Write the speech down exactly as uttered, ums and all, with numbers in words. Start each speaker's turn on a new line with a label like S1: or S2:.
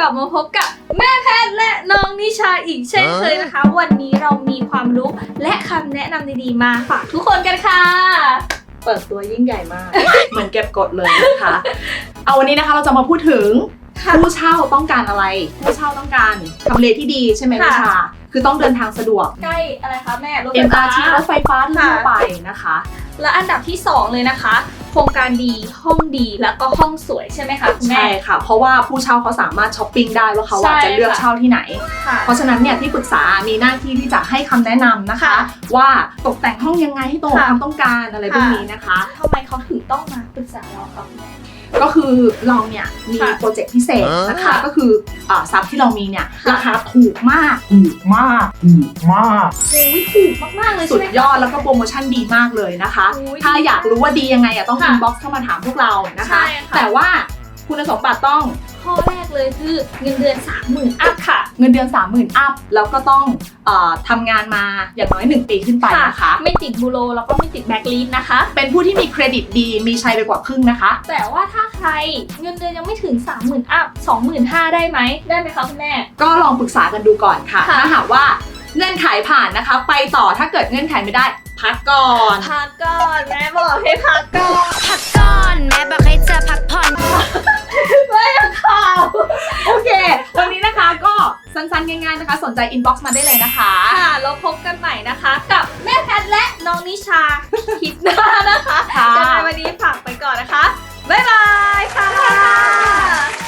S1: บมาพบกับแม่แพทย์และน้องนิชาอีกเช่นเคยนะคะวันนี้เรามีความรู้และคำแนะนำดีๆมาฝากทุกคนกันค่ะ
S2: เปิดตัวยิ่งใหญ่มาก เหมือนเก็บกดเลยนะคะเอาวันนี้นะคะเราจะมาพูดถึงผู้เช่าต้องการอะไรผู้เช่าต้องการทำเลที่ดีใช่ไหมนิชาคือต้องเดินทางสะดวก
S1: ใกล้อะไรคะแม่รถไฟ
S2: เอ็ม
S1: ฟ้า
S2: อาร์ ที รถไฟฟ้าทั่วไปนะคะ
S1: และอันดับที่สองเลยนะคะโครงการดีห้องดีแล้วก็ห้องสวยใช่ไหมคะคุณแม่
S2: ใช่ค่ะเพราะว่าผู้เช่าเขาสามารถช้อปปิ้งได้ว่าเขาจะเลือกเช่าที่ไหนเพราะฉะนั้นเนี่ยที่ปรึกษามีหน้าที่ที่จะให้คำแนะนำนะคะว่าตกแต่งห้องยังไงให้ตรงกับความต้องการอะไรพวกนี้นะคะ
S1: ทำไมเขาถึงต้องมาปรึกษาเราคะคุณแม่
S2: ก็คือเราเนี่ยมีโปรเจกต์พิเศษนะคะก็คือทรัพย์ที่เรามีเนี่ยราคาถูกมาก
S3: ถูกมากถูกมาก
S1: โอ้ยถูกมากๆเลย
S2: สุดยอดแล้วก็โปรโมชั่นดีมากเลยนะคะถ้าอยากรู้ว่าดียังไงอ่ะต้องอินบ็อกซ์เข้ามาถามพวกเรานะคะแต่ว่าคุณสมบัติต้อง
S1: ข้อแรกเลยคือเงินเดือน สามหมื่น อัพค่ะ
S2: เงินเดือน สามหมื่น อัพแล้วก็ต้องเอ่อทำงานมาอย่างน้อยหนึ่งปีขึ้นไปนะคะ
S1: ไม่ติดบูโรแล้วก็ไม่ติดแบ็คลิสต์นะคะ
S2: เป็นผู้ที่มีเครดิตดีมีชัยไปกว่าครึ่งนะคะ
S1: แต่ว่าถ้าใครเงินเดือนยังไม่ถึง สามหมื่น อัพ สองหมื่นห้าพัน ได้ไหมได้ไหมคะคุณแม่
S2: ก็ลองปรึกษากันดูก่อนค่ะถ้าหากว่าเงื่อนไขผ่านนะคะไปต่อถ้าเกิดเงื่อนไขไม่ได้พักก่อน
S1: พักก่อนแม่บอกให้พักก่อน
S4: พักก่อนแม่บอกให้เธอพักผ่อน
S1: ไม่ข่าว
S2: โอเควันนี้นะคะก็สั้นๆง่ายๆนะคะสนใจอินบ็อกซ์มาได้เลยนะคะ
S1: ค่ะแล้วพบกันใหม่นะคะกับแม่แพทย์และน้องนิชาคลิปหน้านะคะ
S2: ค่ะ
S1: วันนี้ฝากไปก่อนนะคะบ๊ายบายค่ะ